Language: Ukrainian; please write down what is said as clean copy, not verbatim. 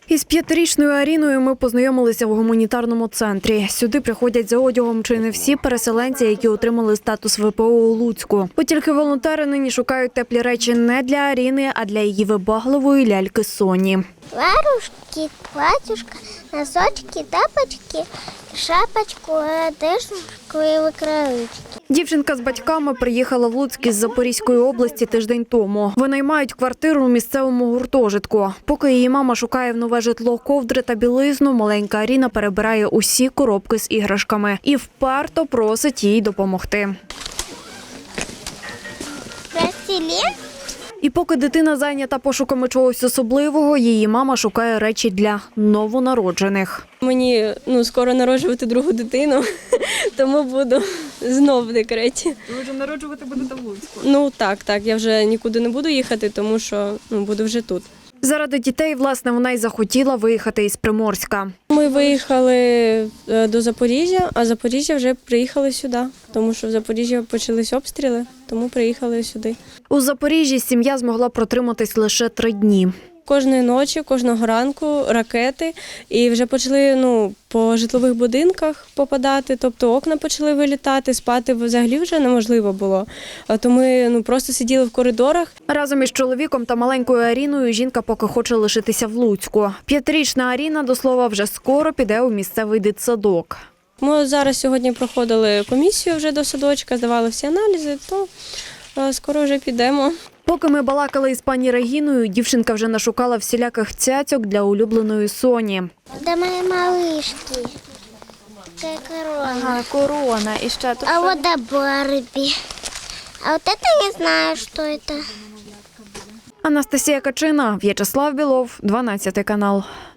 Із 5-річною Аріною ми познайомилися в гуманітарному центрі. Сюди приходять за одягом чи не всі переселенці, які отримали статус ВПО у Луцьку. От тільки волонтери нині шукають теплі речі не для Аріни, а для її вибагливої ляльки Соні. Варушки, платьюшка, носочки, тапочки, шапочку, одежку і викривички. Дівчинка з батьками приїхала в Луцьк із Запорізької області тиждень тому. Винаймають квартиру у місцевому гуртожитку. Поки її мама шукає в нове житло ковдри та білизну, маленька Аріна перебирає усі коробки з іграшками і вперто просить їй допомогти. Пластилін? І поки дитина зайнята пошуками чогось особливого, її мама шукає речі для новонароджених. Мені скоро народжувати другу дитину, тому буду знов в декреті. Ви вже народжувати будете в Луцьку? Так, я вже нікуди не буду їхати, тому що буду вже тут. Заради дітей, власне, вона й захотіла виїхати із Приморська. Ми виїхали до Запоріжжя, а з Запоріжжя вже приїхали сюди, тому що в Запоріжжі почались обстріли, тому приїхали сюди. У Запоріжжі сім'я змогла протриматись лише 3 дні. Кожної ночі, кожного ранку ракети, і вже почали по житлових будинках попадати, тобто окна почали вилітати, спати взагалі вже неможливо було. То ми просто сиділи в коридорах. Разом із чоловіком та маленькою Аріною жінка поки хоче лишитися в Луцьку. 5-річна Аріна, до слова, вже скоро піде у місцевий дитсадок. Ми зараз сьогодні проходили комісію вже до садочка, здавали всі аналізи, то скоро вже підемо. Поки ми балакали із пані Регіною, дівчинка вже нашукала всіляких цяцьок для улюбленої Соні. До моєї малишки. Це корона. Ага, корона. І ще тут А вот до Барбі. А вот это я знаю, что это. Анастасія Качина, В'ячеслав Білов, 12 канал.